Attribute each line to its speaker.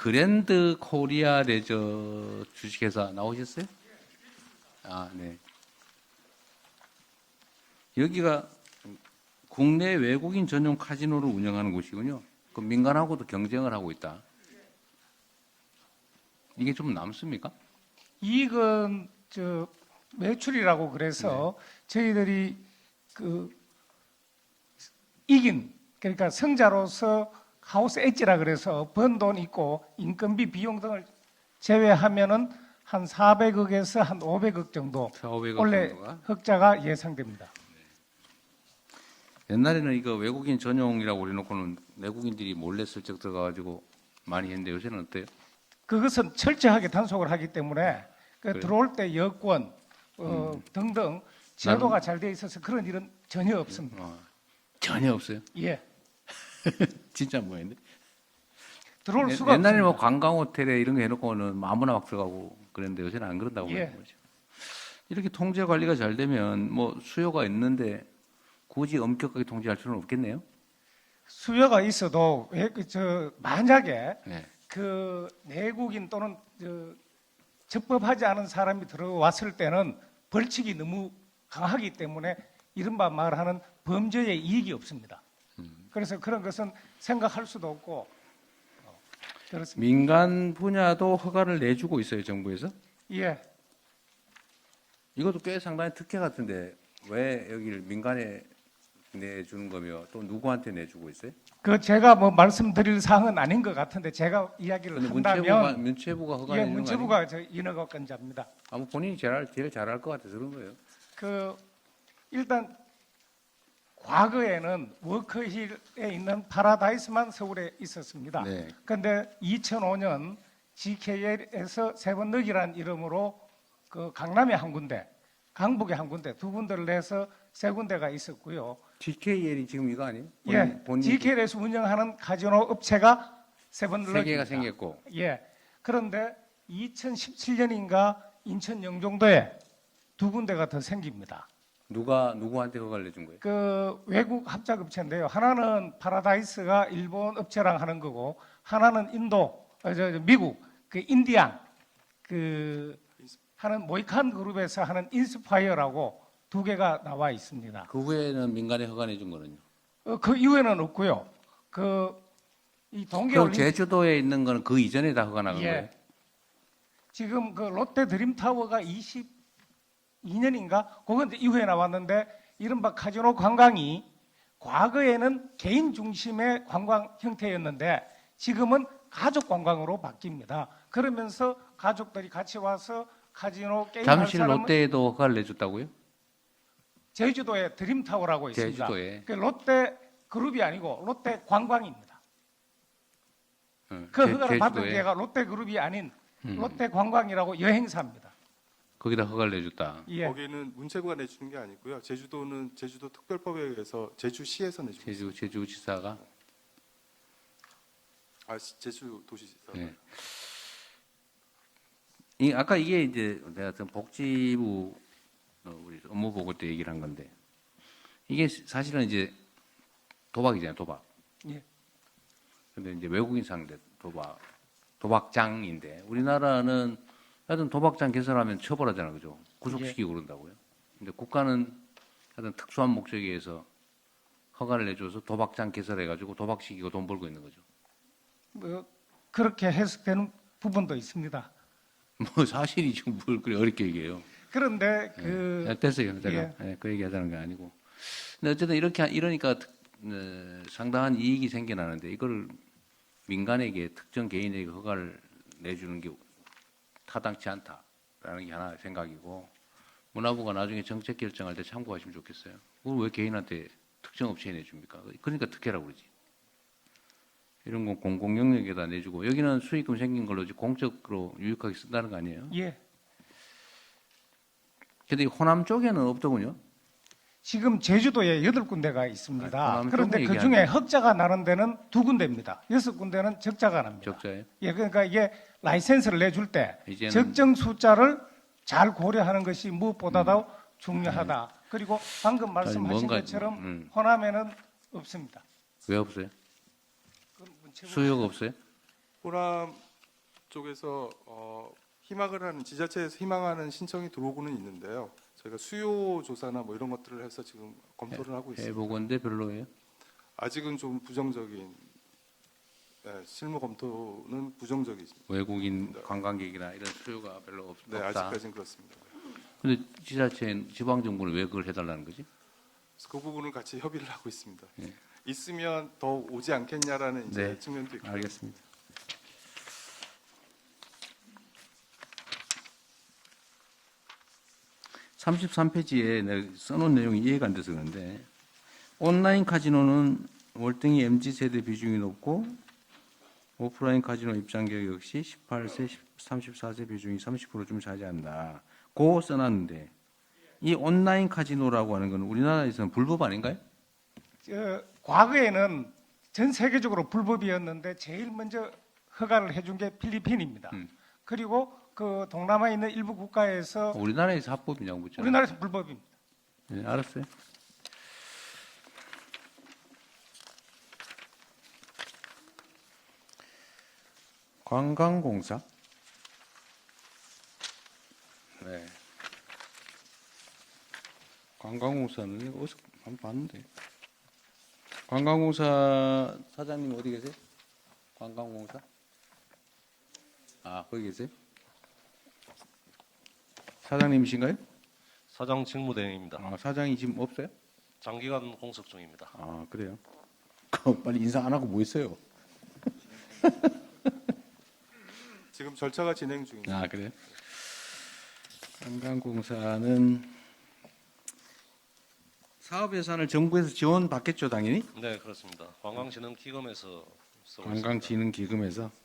Speaker 1: 그랜드 코리아 레저 주식회사 나오셨어요? 아, 네. 여기가 국내 외국인 전용 카지노를 운영하는 곳이군요. 그 민간하고도 경쟁을 하고 있다. 이게 좀 남습니까?
Speaker 2: 이익은 매출이라고 그래서 저희들이 그 이긴 그러니까 성자로서 하우스 엣지라 그래서 번 돈 있고 인건비 비용 등을 제외하면은 한 400억에서 한 500억 정도
Speaker 1: 4,500억
Speaker 2: 원래
Speaker 1: 정도가?
Speaker 2: 흑자가 예상됩니다.
Speaker 1: 옛날에는 이거 외국인 전용이라고 해놓고는 내국인들이 몰래 슬쩍 들어가가지고 많이 했는데 요새는 어때요?
Speaker 2: 그것은 철저하게 단속을 하기 때문에
Speaker 1: 그래요?
Speaker 2: 들어올 때 여권 등등 제도가 잘 돼 있어서 그런 일은 전혀 없습니다.
Speaker 1: 전혀 없어요.
Speaker 2: 예,
Speaker 1: 진짜 뭐였는데?
Speaker 2: 들어올 수가
Speaker 1: 옛날에 뭐
Speaker 2: 없습니다.
Speaker 1: 관광 호텔에 이런 거 해놓고는 뭐 아무나 막 들어가고 그랬는데 요새는 안 그런다고
Speaker 2: 예.
Speaker 1: 하는 거죠. 이렇게 통제 관리가 잘 되면 뭐 수요가 있는데 굳이 엄격하게 통제할 필요는 없겠네요.
Speaker 2: 수요가 있어도 만약에
Speaker 1: 네.
Speaker 2: 그 내국인 또는 적법하지 않은 사람이 들어왔을 때는 벌칙이 너무 강하기 때문에 이른바 말하는 범죄의 이익이 없습니다. 그래서 그런 것은 생각할 수도 없고 그렇습니다.
Speaker 1: 민간 분야도 허가를 내주고 있어요, 정부에서.
Speaker 2: 예,
Speaker 1: 이것도 꽤 상당히 특혜 같은데 왜 여기를 민간에 내주는 거며 또 누구한테 내주고 있어요?
Speaker 2: 그 제가 뭐 말씀드릴 사항은 아닌 것 같은데 제가 이야기를
Speaker 1: 근데
Speaker 2: 한다면
Speaker 1: 문체부가 허가
Speaker 2: 예,
Speaker 1: 내는 거 아니에요?
Speaker 2: 문체부가 인허가 건자입니다.
Speaker 1: 아무 본인이 제일 잘할 것 같아서 그런 거예요.
Speaker 2: 일단 과거에는 워커힐에 있는 파라다이스만 서울에 있었습니다.
Speaker 1: 네.
Speaker 2: 그런데 2005년 GKL에서 세번넣기라는 이름으로 그 강남에 한 군데, 강북에 한 군데, 두 군데를 내서 세 군데가 있었고요.
Speaker 1: GKL이 지금 이거 아니에요?
Speaker 2: GKL에서 운영하는 카지노 업체가 세번넣기
Speaker 1: 세 개가 생겼고.
Speaker 2: 예. 그런데 2017년인가 인천 영종도에 두 군데가 더 생깁니다.
Speaker 1: 누구한테 허가를 내준 거예요?
Speaker 2: 그 외국 합작 업체인데요. 하나는 파라다이스가 일본 업체랑 하는 거고, 하나는 인도, 미국 그 인디안 그 하는 모이칸 그룹에서 하는 인스파이어라고 두 개가 나와 있습니다.
Speaker 1: 그 후에는 민간에 허가 내준 거는요?
Speaker 2: 그 이후에는 없고요. 이
Speaker 1: 그럼
Speaker 2: 동계올림픽
Speaker 1: 제주도에 있는 거는 그 이전에 다 허가 나간 거예요?
Speaker 2: 지금 그 롯데 드림타워가 22년인가? 그건 이제 이후에 나왔는데 이른바 카지노 관광이 과거에는 개인 중심의 관광 형태였는데 지금은 가족 관광으로 바뀝니다. 그러면서 가족들이 같이 와서 카지노 게임할
Speaker 1: 잠실
Speaker 2: 사람은
Speaker 1: 롯데에도 허가를 내줬다고요?
Speaker 2: 제주도에 드림타워라고 있습니다.
Speaker 1: 제주도에.
Speaker 2: 그 롯데 그룹이 아니고 롯데 관광입니다.
Speaker 1: 응,
Speaker 2: 그 허가를 받은
Speaker 1: 제주도에.
Speaker 2: 데가 롯데 그룹이 아닌 롯데 관광이라고 여행사입니다.
Speaker 1: 거기다 허가를 내줬다.
Speaker 2: 예.
Speaker 3: 거기는 문체부가 내주는 게 아니고요. 제주도는 제주도 특별법에 의해서 제주시에서 내주고 있습니다.
Speaker 1: 제주지사가.
Speaker 3: 제주도시지사.
Speaker 1: 네. 아까 이게 이제 내가 복지부 우리 업무 보고 때 얘기를 한 건데 이게 사실은 이제 도박이잖아요, 도박.
Speaker 2: 예.
Speaker 1: 근데 이제 외국인 상대 도박장인데 우리나라는 하여튼 도박장 개설하면 처벌하잖아요, 그죠? 구속시키고 그런다고요. 근데 국가는 하여튼 특수한 목적에 의해서 허가를 내줘서 도박장 개설해가지고 도박시키고 돈 벌고 있는 거죠.
Speaker 2: 뭐 그렇게 해석되는 부분도 있습니다.
Speaker 1: 뭐 사실이죠, 뭘 그래 어렵게 얘기해요.
Speaker 2: 그런데
Speaker 1: 됐어요, 제가 그 얘기하자는 게 아니고. 근데 어쨌든 이러니까 상당한 이익이 생겨나는데 이걸 민간에게 특정 개인에게 허가를 내주는 게 타당치 않다라는 게 하나 생각이고 문화부가 나중에 정책 결정할 때 참고하시면 좋겠어요. 그걸 왜 개인한테 특정 업체에 내줍니까? 그러니까 특혜라고 그러지. 이런 건 공공 영역에다 내주고 여기는 수익금 생긴 걸로 공적으로 유익하게 쓴다는 거 아니에요?
Speaker 2: 예.
Speaker 1: 근데 호남 쪽에는 없더군요.
Speaker 2: 지금 제주도에 8군데가 있습니다.
Speaker 1: 호남
Speaker 2: 그런데
Speaker 1: 쪽은
Speaker 2: 그 중에
Speaker 1: 얘기하는데.
Speaker 2: 흑자가 나는 데는 2군데입니다. 6군데는 적자가 납니다.
Speaker 1: 적자예요.
Speaker 2: 예, 그러니까 이게 라이센스를 내줄 때
Speaker 1: 이제는-
Speaker 2: 적정 숫자를 잘 고려하는 것이 무엇보다도 중요하다. 그리고 방금 말씀하신
Speaker 1: 뭔가-
Speaker 2: 것처럼 호남에는 없습니다.
Speaker 1: 왜 없어요?
Speaker 2: 그건 문체부-
Speaker 1: 수요가 없어요?
Speaker 3: 호남 쪽에서 희망을 하는 지자체에서 희망하는 신청이 들어오고는 있는데요. 저희가 수요 조사나 뭐 이런 것들을 해서 지금 검토를 하고 있습니다.
Speaker 1: 해보건데 별로예요.
Speaker 3: 아직은 좀 부정적인 실무 검토는 부정적이십니다.
Speaker 1: 외국인 관광객이나 이런 수요가 별로
Speaker 3: 네,
Speaker 1: 없다.
Speaker 3: 아직까지는 그렇습니다.
Speaker 1: 근데 지자체 지방 정부는 왜 그걸 해달라는 거지?
Speaker 3: 그래서 그 부분을 같이 협의를 하고 있습니다.
Speaker 1: 예.
Speaker 3: 있으면 더 오지 않겠냐라는 이제
Speaker 1: 네,
Speaker 3: 측면도 있고.
Speaker 1: 알겠습니다. 33페이지에 내가 써놓은 내용이 이해가 안 돼서 그런데 온라인 카지노는 월등히 MZ세대 비중이 높고 오프라인 카지노 입장객 역시 18세, 34세 비중이 30%좀 차지한다. 고 써놨는데 이 온라인 카지노라고 하는 건 우리나라에서는 불법 아닌가요?
Speaker 2: 과거에는 전 세계적으로 불법이었는데 제일 먼저 허가를 해준 게 필리핀입니다. 그리고 그 동남아에 있는 일부 국가에서
Speaker 1: 우리나라에서 합법이냐고 묻잖아요.
Speaker 2: 우리나라에서 불법입니다.
Speaker 1: 네, 알았어요. 관광공사. 네. 관광공사는 이거 어디서 한번 봤는데. 관광공사 사장님 어디 계세요? 관광공사? 아, 거기 계세요? 사장님이신가요?
Speaker 4: 사장 직무대행입니다.
Speaker 1: 아, 사장이 지금 없어요?
Speaker 4: 장기간 공석 중입니다.
Speaker 1: 아, 그래요? 빨리 인사 안 하고 뭐 있어요?
Speaker 3: 지금 절차가 진행 중입니다.
Speaker 1: 아, 그래요? 관광공사는 사업 예산을 정부에서 지원받겠죠, 당연히?
Speaker 4: 네, 그렇습니다. 관광진흥기금에서 쓰고 있습니다.
Speaker 1: 관광진흥기금에서